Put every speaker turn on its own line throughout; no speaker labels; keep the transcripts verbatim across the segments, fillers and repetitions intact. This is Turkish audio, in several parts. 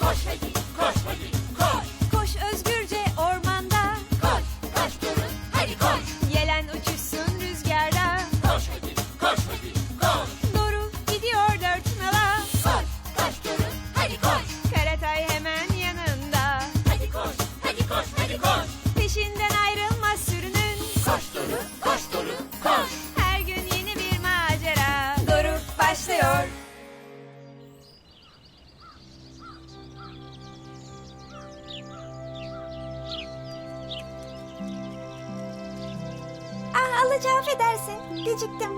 Koş hadi, koş hadi, koş.
Koş özgürce ormanda,
Koş, koş durun, hadi koş.
yelen uçuşsun rüzgarda.
Koş hadi, koş hadi, koş.
Doğru gidiyor dört nala,
Koş, koş durun, hadi koş.
Karatay hemen yanında.
Hadi koş, hadi koş, hadi koş.
Peşinden ayrılmaz sürünün,
Koş Doru, koş Doru, koş.
her gün yeni bir macera. Doğru başlıyor. Ah Alıcı affedersin, geciktim.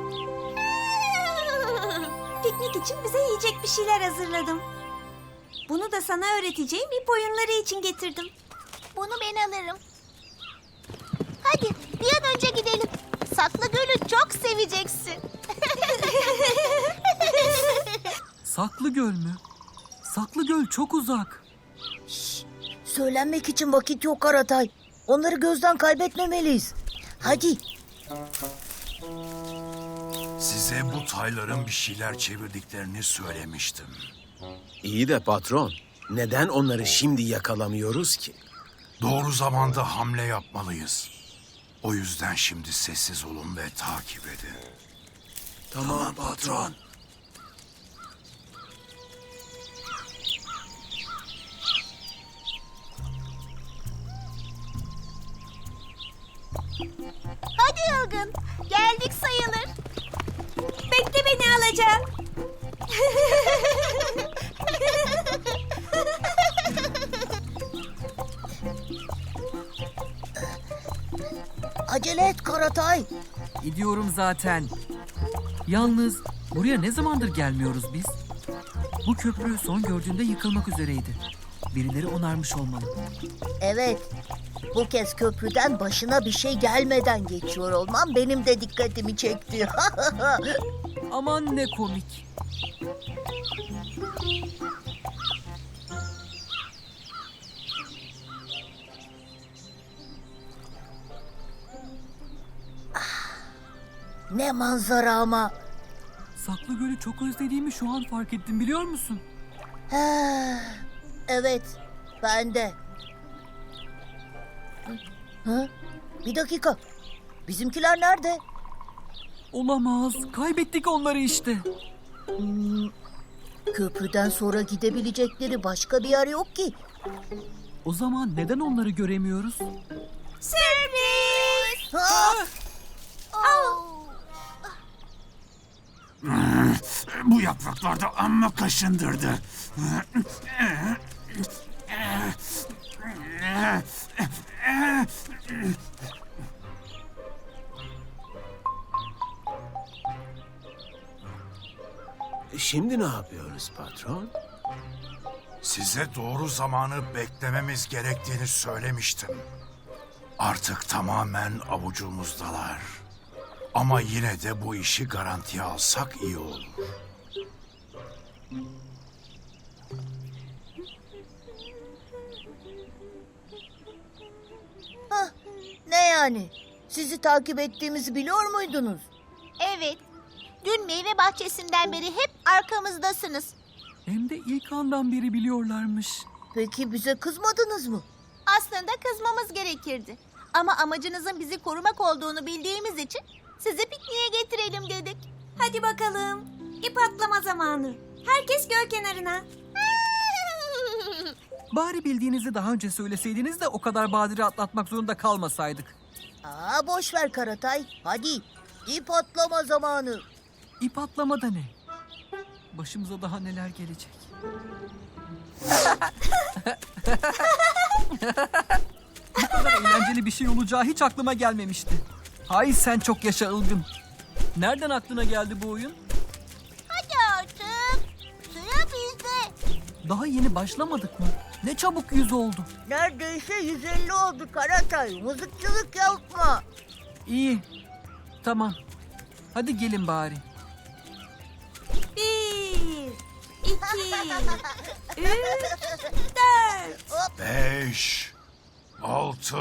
Piknik için bize yiyecek bir şeyler hazırladım. Bunu da sana öğreteceğim ip oyunları için getirdim.
Bunu ben alırım. Hadi bir an önce gidelim. Saklı Göl'ü çok seveceksin.
Saklı Göl mü? Saklı Göl çok uzak.
Söylenmek için vakit yok Karatay. Onları gözden kaybetmemeliyiz. Hadi.
Size bu tayların bir şeyler çevirdiklerini söylemiştim.
İyi de patron, neden onları şimdi yakalamıyoruz ki?
Doğru zamanda hamle yapmalıyız. O yüzden şimdi sessiz olun ve takip edin.
Tamam patron.
Hadi Yılgın. Geldik sayılır.
Bekle beni alacağım.
Acele et Karatay.
Gidiyorum zaten. Yalnız buraya ne zamandır gelmiyoruz biz? Bu köprü son gördüğümde yıkılmak üzereydi. Birileri onarmış olmalı.
Evet. Bu kez köprüden başına bir şey gelmeden geçiyor olmam benim de dikkatimi çekti.
Aman ne komik.
Ne manzara ama.
Saklı Göl'ü çok özlediğimi şu an fark ettim, biliyor musun?
He, evet, ben de. Hı? Bir dakika. Bizimkiler nerede?
Olamaz. Kaybettik onları işte.
Hmm, köprüden sonra gidebilecekleri başka bir yer yok ki.
O zaman neden onları göremiyoruz?
Sürpriz!
Ha!
Bu yapraklar da amma kaşındırdı.
Şimdi ne yapıyoruz patron?
Size doğru zamanı beklememiz gerektiğini söylemiştim. Artık tamamen avucumuzdalar. Ama yine de bu işi garantiye alsak iyi olur.
Hah, ne yani? Sizi takip ettiğimizi biliyor muydunuz?
Evet. Dün meyve bahçesinden beri hep arkamızdasınız.
Hem de ilk andan beri biliyorlarmış.
Peki bize kızmadınız mı?
Aslında kızmamız gerekirdi. Ama amacınızın bizi korumak olduğunu bildiğimiz için sizi pikniğe getirelim dedik.
Hadi bakalım. İp atlama zamanı. Herkes göl kenarına.
Bari bildiğinizi daha önce söyleseydiniz de o kadar badire atlatmak zorunda kalmasaydık.
Aa, boş ver Karatay. Hadi, ip atlama zamanı.
İp atlama da ne? Başımıza daha neler gelecek? Bu kadar eğlenceli bir şey olacağı hiç aklıma gelmemişti. Hay sen çok yaşa Ilgın. Nereden aklına geldi bu oyun?
Hadi artık. Sıra bizde.
Daha yeni başlamadık mı? Ne çabuk yüz oldu.
Neredeyse yüz elli oldu Karatay. Mızıkçılık yapma.
İyi. Tamam. Hadi gelin bari.
Bir, iki, üç, dört.
Beş, altı,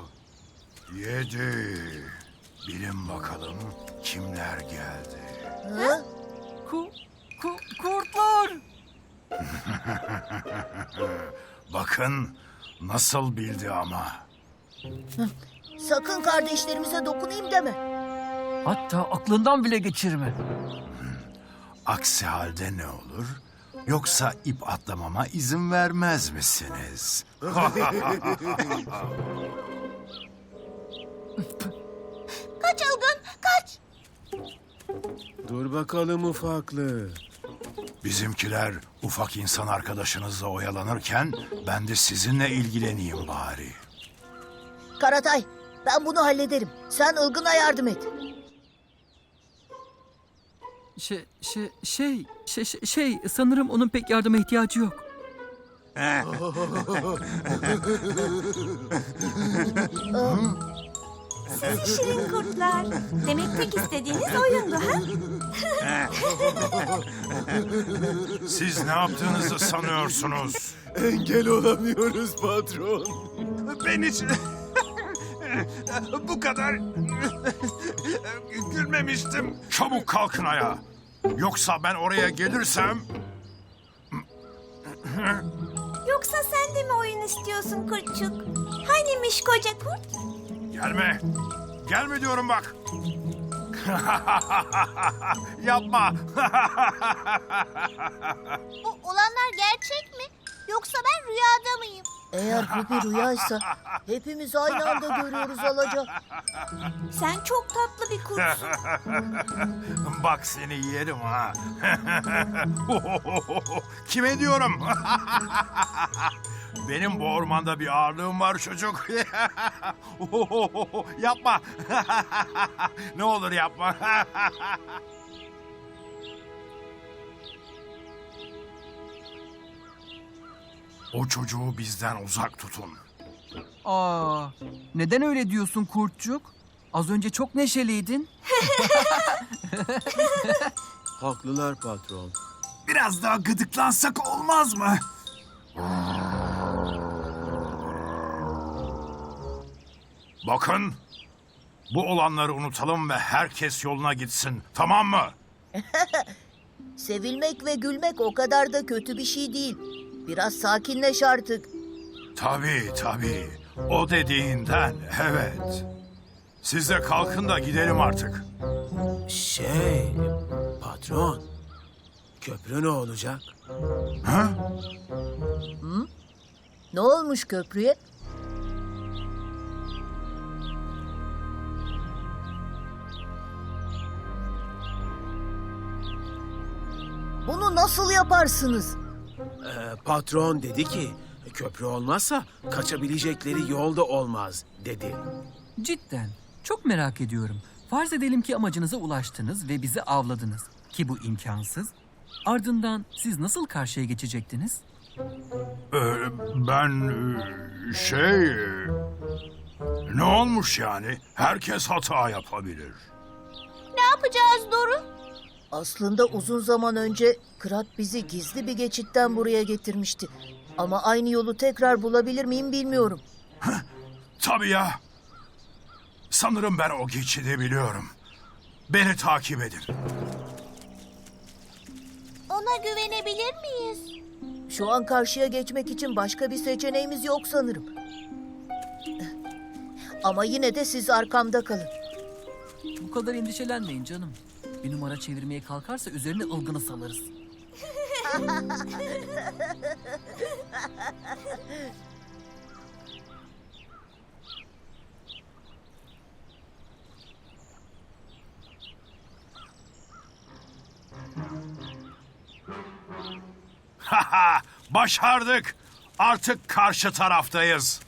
yedi. Bilin bakalım kimler geldi.
Hı?
Ku, ku, kurtlar.
Bakın nasıl bildi ama.
Sakın kardeşlerimize dokunayım deme.
Hatta aklından bile geçirme.
Aksi halde ne olur? Yoksa ip atlamama izin vermez misiniz?
Kaç Ilgın, kaç.
Dur bakalım ufaklık.
Bizimkiler ufak insan arkadaşınızla oyalanırken ben de sizinle ilgileneyim bari.
Karatay, ben bunu hallederim. Sen Ilgın'a yardım et.
Şey, şey, şey, şey, şey, şey, sanırım onun pek yardıma ihtiyacı yok.
Sizi şirin kurtlar. Demek tek istediğiniz oyundu ha?
Siz ne yaptığınızı sanıyorsunuz?
Engel olamıyoruz patron.
Ben hiç bu kadar gülmemiştim. Çabuk kalkın ayağa. Yoksa ben oraya gelirsem...
Yoksa sen de mi oyun istiyorsun kurtçuk? Hanimiş koca kurt?
Gelme. Gelme diyorum bak. Yapma.
Bu olanlar gerçek mi? Yoksa ben rüyada mıyım?
Eğer bu bir rüyaysa hepimiz aynı anda görüyoruz Alaca.
Sen çok tatlı bir kurtsun.
Bak seni yerim ha. Kime diyorum? Benim bu ormanda bir ağırlığım var çocuk. Yapma. Ne olur yapma. O çocuğu bizden uzak tutun.
Aa, neden öyle diyorsun kurtçuk? Az önce çok neşeliydin.
Haklılar patron.
Biraz daha gıdıklansak olmaz mı? Bakın, bu olanları unutalım ve herkes yoluna gitsin, tamam mı?
Sevilmek ve gülmek o kadar da kötü bir şey değil. Biraz sakinleş artık.
Tabii, tabii. O dediğinden, evet. Siz de kalkın da gidelim artık.
Şey, patron. Köprü ne olacak?
Ha?
Ne olmuş köprüye? Bunu nasıl yaparsınız?
Ee, patron dedi ki köprü olmazsa kaçabilecekleri yolda olmaz dedi.
Cidden, çok merak ediyorum. Farz edelim ki amacınıza ulaştınız ve bizi avladınız. Ki bu imkansız. Ardından siz nasıl karşıya geçecektiniz?
Ee, ben e, şey... e, Ne olmuş yani? Herkes hata yapabilir.
Ne yapacağız Doru?
Aslında uzun zaman önce Kırat bizi gizli bir geçitten buraya getirmişti. Ama aynı yolu tekrar bulabilir miyim bilmiyorum.
Tabii ya. Sanırım ben o geçidi biliyorum. Beni takip edin.
Ona güvenebilir miyiz?
Şu an karşıya geçmek için başka bir seçeneğimiz yok sanırım. Ama yine de siz arkamda kalın.
Bu kadar endişelenmeyin canım. Bir numara çevirmeye kalkarsa üzerine ılgını salarız.
Haha, başardık. Artık karşı taraftayız.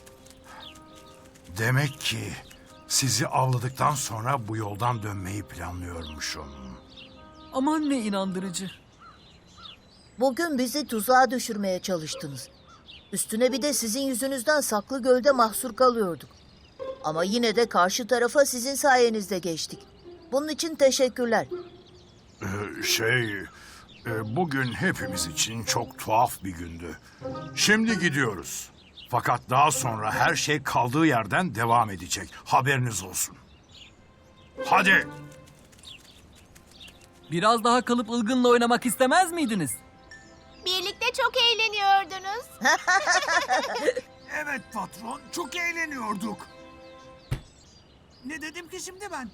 Demek ki sizi avladıktan sonra bu yoldan dönmeyi planlıyormuşum.
Aman ne inandırıcı.
Bugün bizi tuzağa düşürmeye çalıştınız. Üstüne bir de sizin yüzünüzden Saklı Göl'de mahsur kalıyorduk. Ama yine de karşı tarafa sizin sayenizde geçtik. Bunun için teşekkürler.
Ee, şey, e, bugün hepimiz için çok tuhaf bir gündü. Şimdi gidiyoruz. Fakat daha sonra her şey kaldığı yerden devam edecek. Haberiniz olsun. Hadi.
Biraz daha kalıp ılgınla oynamak istemez miydiniz?
Birlikte çok eğleniyordunuz.
Evet patron, çok eğleniyorduk.
Ne dedim ki şimdi ben?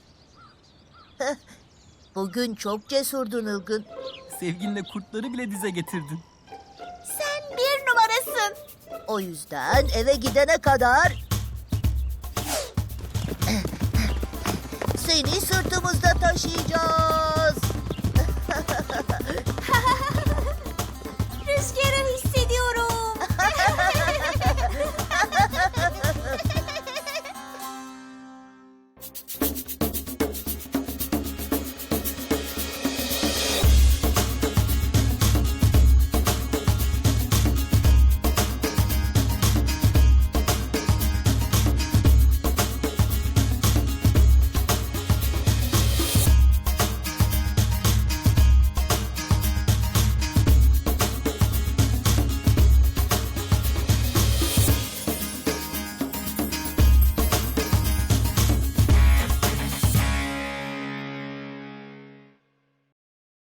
Bugün çok cesurdun Ilgın.
Sevginle kurtları bile dize getirdin.
Sen bir numarasın.
O yüzden eve gidene kadar... Seni sırtımızda taşıyacağız.